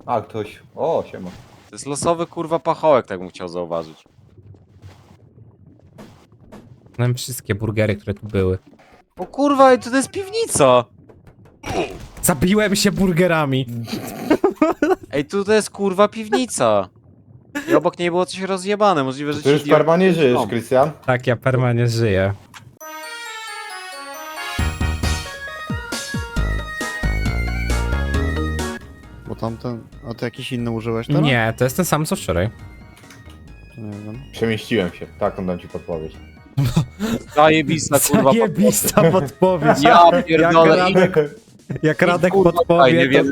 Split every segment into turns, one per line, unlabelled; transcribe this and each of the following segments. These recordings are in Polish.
A, ktoś... O, siema.
To jest losowy kurwa pachołek, tak bym chciał zauważyć.
Znam wszystkie burgery, które tu były.
O kurwa, to jest piwnica!
Zabiłem się burgerami!
Ej, tu to jest kurwa piwnica! I obok niej było coś rozjebane, możliwe, że
Ty już
ci
perma nie żyjesz,
No.
Krystian?
Tak, ja permanentnie żyję.
Bo tamten... A ty jakiś inny użyłeś teraz?
Nie, to jest ten sam co wczoraj.
To nie wiem.
Przemieściłem się. Taką dam ci podpowiedź.
Zajebista kurwa
Zajebista podpowiedź.
Ja pierdolę.
Jak Radek
Kurwa,
podpowie,
nie
to
wiem.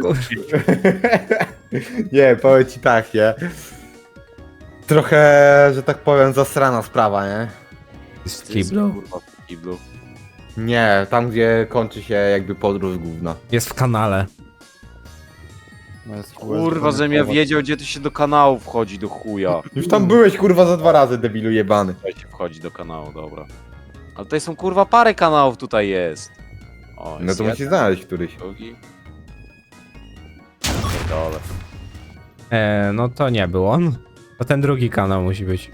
Nie, powiem ci tak, nie? Trochę, że tak powiem, zasrana sprawa, nie?
jest
Ty jest,
kiblu.
kurwa, w kiblu.
Nie, tam gdzie kończy się jakby podróż główna.
Jest w kanale.
No jest
Kurwa, żebym ja wiedział, gdzie tu się do kanału wchodzi, do chuja.
Już tam byłeś kurwa za 2 razy, debilu jebany.
Tutaj się wchodzi do kanału, dobra. Ale tutaj są kurwa parę kanałów tutaj jest. O,
No
jest
to
jeden,
musisz znaleźć któryś.
drugi. Dole.
No to nie był on. To ten drugi kanał musi być.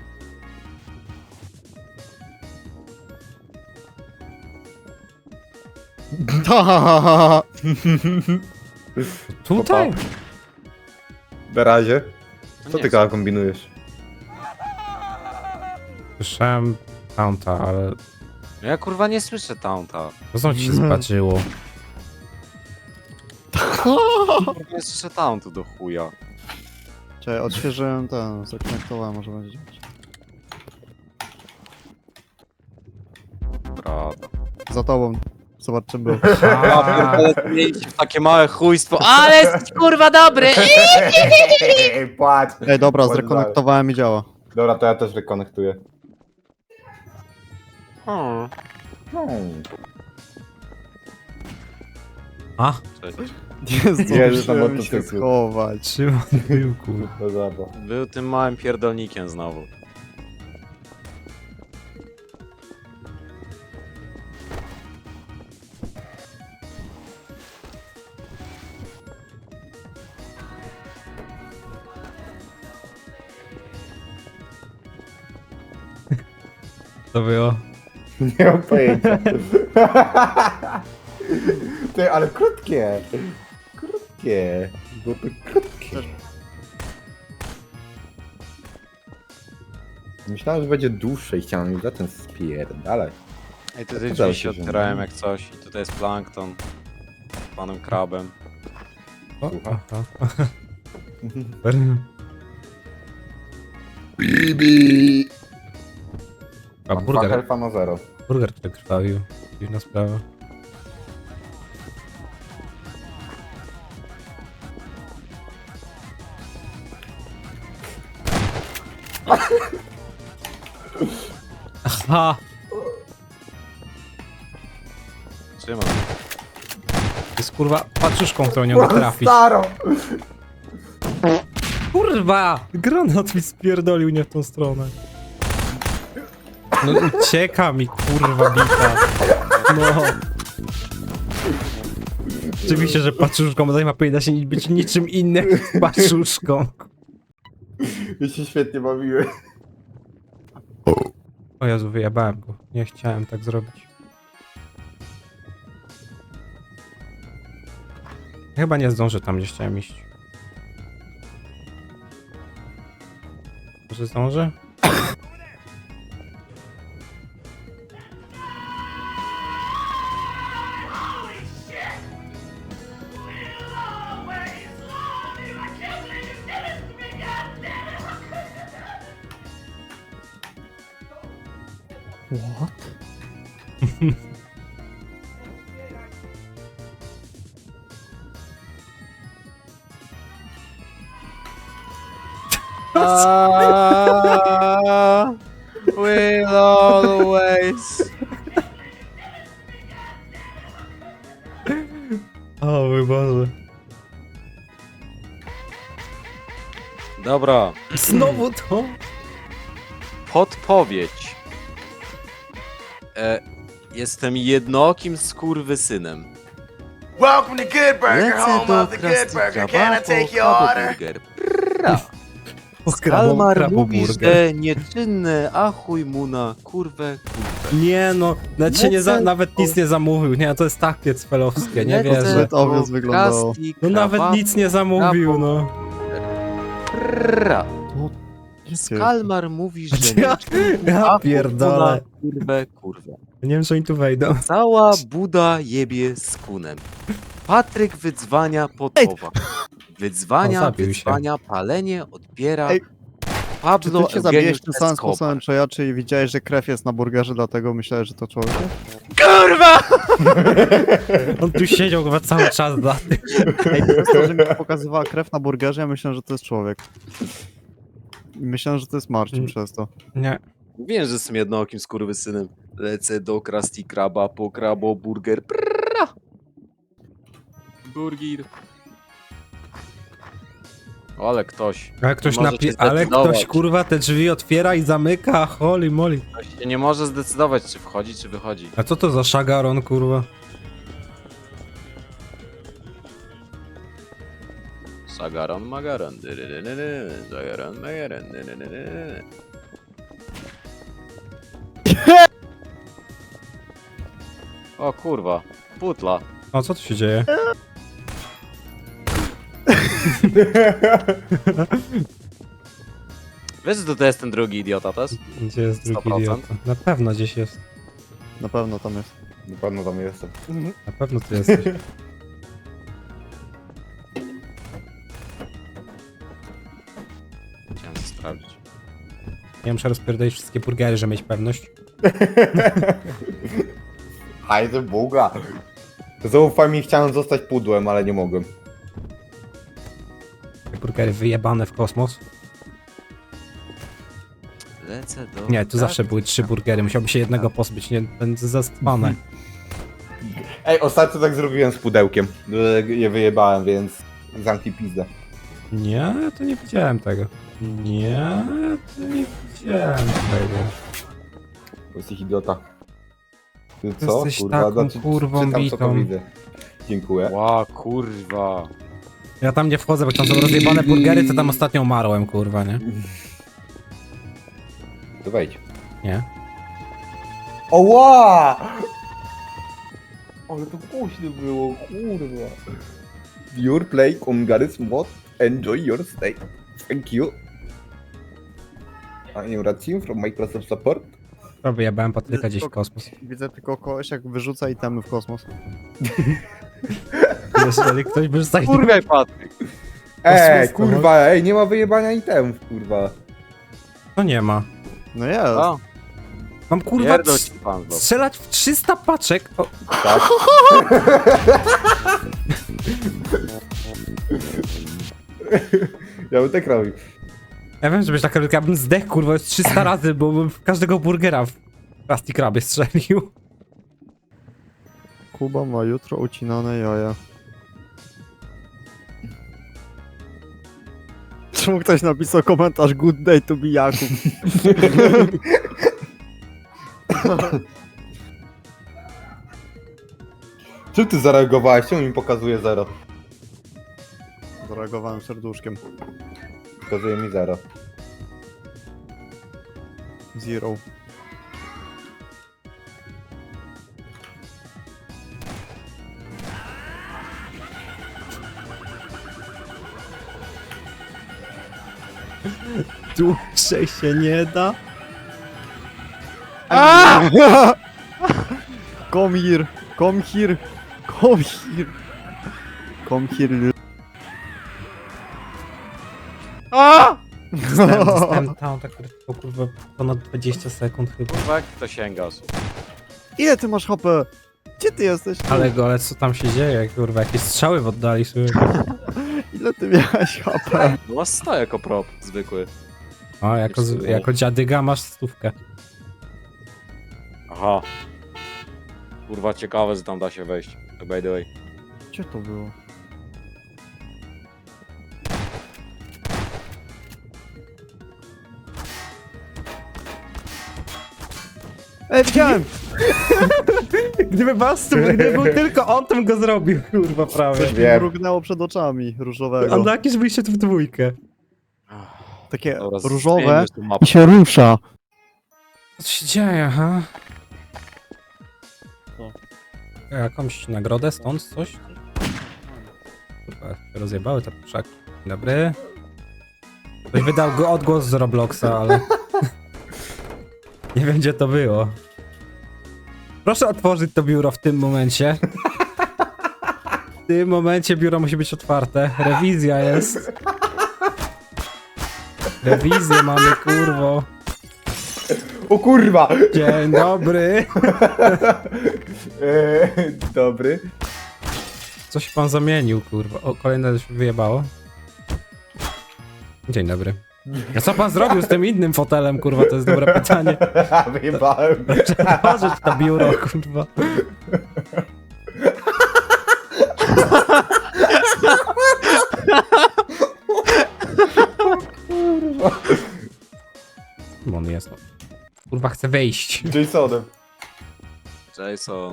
Tutaj?
Na razie.
No
Co
nie
ty
chcę.
kombinujesz?
Słyszałem Taunta, ale
No ja kurwa nie słyszę taunta.
to znowu ci się zbaczyło.
Kurwa nie słyszę tauntu do chuja.
Czekaj, odświeżyłem ten, zakonektowałem, może będzie działać.
Prawda.
Za tobą. Zobacz czym był.
Ja pierdolę, mieliście takie małe chujstwo, ale jesteś kurwa dobry!
Płacz.
Ej, dobra,
Płacz
zrekonektowałem i działa.
Dobra, to ja też rekonektuję.
Hmm.
A,
Cześć.
Nie
Jezus, na
zdążyłem się
motocyklu.
schować.
trzymam tyłku.
No dobra.
Był tym małym pierdolnikiem znowu.
To było.
Nie mam pojęcia. Ty, ale krótkie. Krótkie. Było to krótkie. Myślałem, że będzie dłuższe i chciałem już zacząć spierdalać.
Ej, tutaj
Udało
drzwi się
się, że
otwierałem
nie.
jak coś i tutaj jest plankton. Z panem krabem.
O,
Słucham?
aha.
Bibi!
A burger,
Helfa na 0.
burger tutaj krwawił. Dziwna sprawa. Aha!
Trzymam.
Jest kurwa paczuszką, którą nie mogę trafić.
Staro!
Kurwa! Granat mi spierdolił nie w tą stronę. No ucieka mi kurwa bita. No. Oczywiście, że paczuszką, bo ma powinna się być niczym innym jak paczuszką.
Ja się świetnie bawiłem.
O Jezu, wyjebałem go. Nie chciałem tak zrobić. Chyba nie zdążę tam, gdzie chciałem iść. Może zdążę?
What?
We'll always.
O mój Boże.
Dobra,
Znowu to?
podpowiedź. Jestem jednookim skurwysynem.
Welcome to Good Burger,
Lecę
home
do
of the Good
Krusty
Burger.
Kraba
Can I
po
take your order?
kraboburger. Prra.
O,
Kalmar mówi,
kraboburger.
że nieczynne, a chuj mu na kurwę.
Nie no, nawet, się nie
Lecę
nawet nic nie zamówił, nie, to jest takie cwelowskie, nie
Lecę
wierzę.
Zbyt obvious
do
wyglądało.
Krusty
No nawet
Kraba
nic nie zamówił, no.
Prra.
Gdzie
Kalmar mówi, że
Ja-
nieczynne,
ja
a chuj mu
pierdolę.
na kurwę, kurwę.
Nie wiem, czy oni tu wejdą.
Cała Buda jebie z kunem. Patryk wydzwania podpowa.
O,
Wydzwania,
zabił się.
wydzwania, palenie, odbiera.
Ej, Czy
Pablo
ty się zabiłeś
Eugeniusz
tym samym
Escobar.
sposobem, co ja, czyli widziałeś, że krew jest na burgerze, dlatego myślałeś, że to człowiek?
Kurwa!
On tu siedział chyba cały czas dla tych.
Ej, przez to, że mi pokazywała krew na burgerze, ja myślałem, że to jest człowiek. I myślałem, że to jest Marcin przez to.
Nie.
Wiem, że jestem jednookim skurwysynem. Lecę do Krusty Kraba po kraboburger. Prra! Burger. O, ale ktoś. Możecie
Ale
zdecydować.
ktoś kurwa te drzwi otwiera i zamyka, holy moly.
Ktoś się nie może zdecydować, czy wchodzi, czy wychodzi.
A co to za szagaron kurwa?
Sagaron Magaron. Sagaron Magaron. O kurwa. Putla.
O, co tu się dzieje?
Wiesz, że to jest ten drugi idiota też?
Gdzie jest drugi
100%?
idiota? Na pewno gdzieś jest.
Na pewno tam jest.
Na pewno tam jestem.
Na pewno ty jesteś.
Chciałem to sprawdzić.
Ja muszę rozpierdolić wszystkie burgery, żeby mieć pewność.
Hajde Buga. Zaufaj mi, chciałem zostać pudłem, ale nie mogłem.
Te burgery wyjebane w kosmos.
Lecę do...
Nie, tu zawsze były 3 burgery, musiałbym się jednego pozbyć, nie będę zaspane.
Ej, ostatnio tak zrobiłem z pudełkiem. Je wyjebałem, więc zamknij pizdę.
Nie, to nie widziałem tego. Nie, to nie widziałem tego.
Bo jesteś idiota. Ty co?
Jesteś taką kurwą
czytam, co to
bitą.
widzę. Dziękuję.
Ła, kurwa.
Ja tam nie wchodzę, bo tam są rozjebane burgery, to tam ostatnio umarłem, kurwa, nie?
To wejdź.
Nie.
Oła! Ale to głośno było, kurwa. Your play on Garry's mod. Enjoy your stay. Thank you. I am Racim from Microsoft Support.
To wyjebałem Patryka gdzieś w kosmos.
Widzę tylko kogoś, jak wyrzuca itemy w kosmos.
Jeżeli ktoś by został...
Kurwa, Patryk.
Ej, kurwa, ej, nie ma wyjebania itemów, kurwa.
To nie ma.
No jest.
O,
Mam kurwa
pierdol ci pan, bo...
strzelać w 300 paczek. O,
Tak. Ja bym tak robił.
ja wiem, że byś tak robił, ja bym zdechł kurwa już 300 razy, bo bym w każdego burgera w Krusty Krabie strzelił.
Kuba ma jutro ucinane jaja. Czemu ktoś napisał komentarz good day to be Jakub?
Czym ty zareagowałeś? Czemu mi pokazuje 0?
Zareagowałem serduszkiem.
Pokazuje mi 0.
Zero.
Dłużej się nie da.
Come here! Come here! Come here! Come here!
Dostałem tam tak tylko kurwa ponad 20 sekund chyba.
Kurwa, jak to sięgasz?
Ile ty masz HP? Gdzie ty jesteś?
Ale co tam się dzieje, kurwa, jakieś strzały w oddali sobie.
Ile ty miałeś HP?
No masz 100 jako prop, zwykły.
O, jako dziadyga masz 100.
Aha. Kurwa, ciekawe, że tam da się wejść. By the way.
Gdzie to było? Ej, widziałem!
Gdyby był tylko on, to bym go zrobił, kurwa, prawie.
Coś mi
Wiem.
mrugnęło przed oczami różowego.
A jakieś byliście tu w dwójkę.
Takie
Dobra,
różowe
zmieńmy już tą mapę.
i się rusza.
Co się dzieje, aha?
Co?
Jakąś nagrodę stąd, coś? Kurwa, się rozjebały te puszaki. Dzień dobry. Ktoś wydał go odgłos z Robloxa, ale... nie wiem, gdzie to było. Proszę otworzyć to biuro w tym momencie. W tym momencie biuro musi być otwarte. Rewizja jest. Rewizję mamy, kurwo.
O kurwa!
Dzień dobry.
Dobry.
Coś pan zamienił, kurwa. O, kolejne się wyjebało. Dzień dobry. A co pan zrobił z tym innym fotelem, kurwa? To jest dobre pytanie.
Wyjebałem.
Otworzyć to biuro, kurwa. Kim on jest? No. Kurwa, chcę wejść.
Jasonem.
Jason.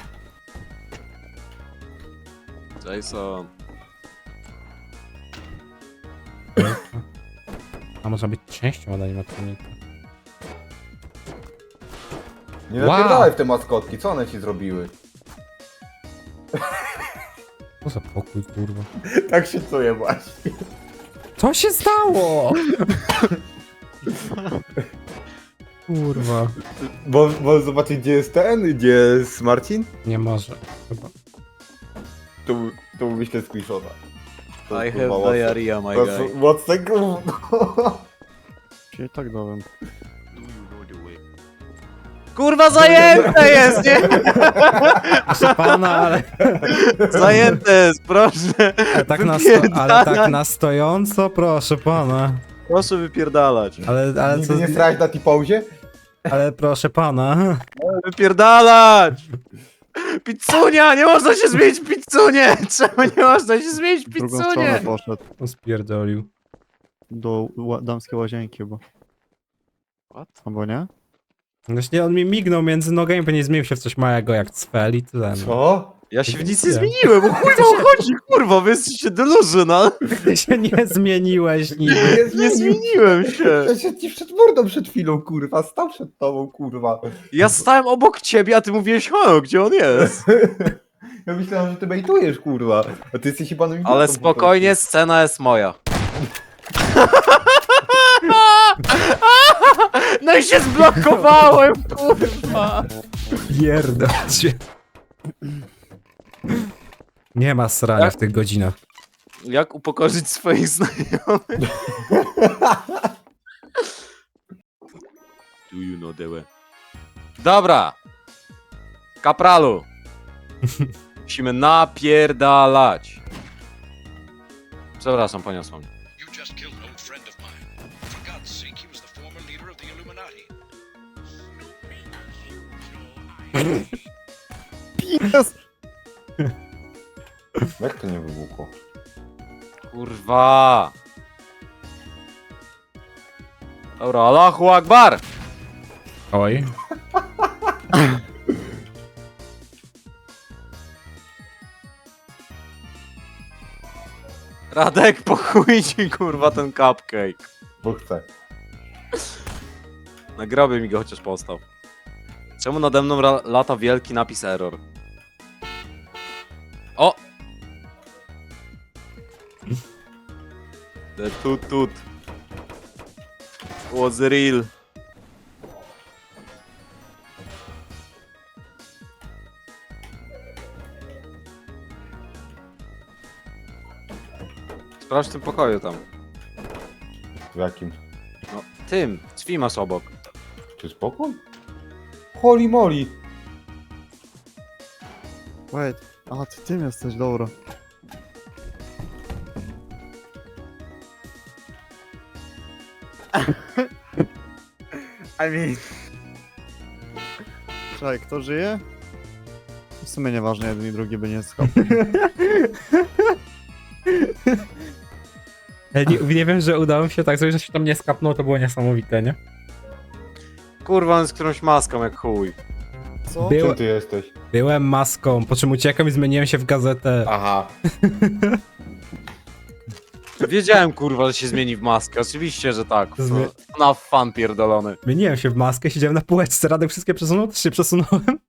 Jason.
A można być częścią od animatronika.
Nie
Wow.
napierdalaj w te maskotki, co one ci zrobiły?
Co za pokój, kurwa.
Tak się czuję właśnie.
Co się stało? Kurwa.
Bo zobaczyć gdzie jest ten, gdzie jest Marcin?
Nie może. Chyba.
Tu myślę screenshota. To
I
kurwa
have
mocne.
diarrhea, my
To
guy.
jest mocne gówno.
Się tak dałem.
Kurwa, zajęte jest, nie?
Proszę pana, ale,
Zajęte jest, proszę.
ale tak na stojąco, proszę pana.
Proszę wypierdalać.
Ale co,
Nigdy nie strałeś na T-pauzie?
ale proszę pana.
Wypierdalać! Pizzunia! Nie można się zmienić w pizzunie! Czemu nie można się zmienić w
W drugą stronę
pizzunie?
poszedł.
On spierdolił.
Do damskiej łazienki chyba.
What?
Albo nie?
Właśnie on mi mignął między nogami, bo nie zmienił się w coś małego jak cfel i tyle. No.
Co?
Ja się w nic nie zmieniłem, bo chuj wam chodzi, kurwa, wy jesteście delusional.
Ty się nie zmieniłeś niby.
Nie zmieniłem się.
Ja się ci przed mordą przed chwilą, kurwa. Stał przed tobą, kurwa.
Ja stałem obok ciebie, a ty mówiłeś, o, gdzie on jest?
Ja myślałem, że ty bejtujesz, kurwa. A ty jesteś chyba nowym
Ale
gościem po
spokojnie, scena jest moja. No i się zblokowałem, kurwa.
Pierdol się. Nie ma srania w tych godzinach.
Jak upokorzyć swoich znajomych? Do you know the way? Dobra. Kapralu. Musimy napierdalać. Przepraszam, poniosło mnie.
You just killed an old friend of mine. For God's sake, he was the former leader of the Illuminati.
Jest!
prostu. Jak to nie wybuchło?
Kurwa. Dobra, Allahu Akbar.
Oj.
Radek, po chuj ci, kurwa, ten cupcake.
Bo chcę.
Na grobie mi go chociaż postał. Czemu nade mną lata wielki napis error? O! The tut was real. Sprawdź w tym pokoju tam.
W jakim?
No, tym. Drzwi masz obok.
Czy spokój? Holy moly!
Wait. A, ty tym jesteś, dobra. I mean... Czekaj, kto żyje? W sumie nieważne, jeden i drugi by nie skał.
Ja nie wiem, że udało mi się tak zrobić, że się tam nie skapnął, to było niesamowite, nie?
Kurwa, on z którąś maską jak chuj.
Co?
Czym ty jesteś?
Byłem maską, po czym uciekłem i zmieniłem się w gazetę.
Aha.
Wiedziałem, kurwa, że się zmieni w maskę. Oczywiście, że tak.
Zmie-
Na fan pierdolony.
Zmieniłem się w maskę, siedziałem na półeczce, Radek wszystkie przesunął, też się przesunąłem.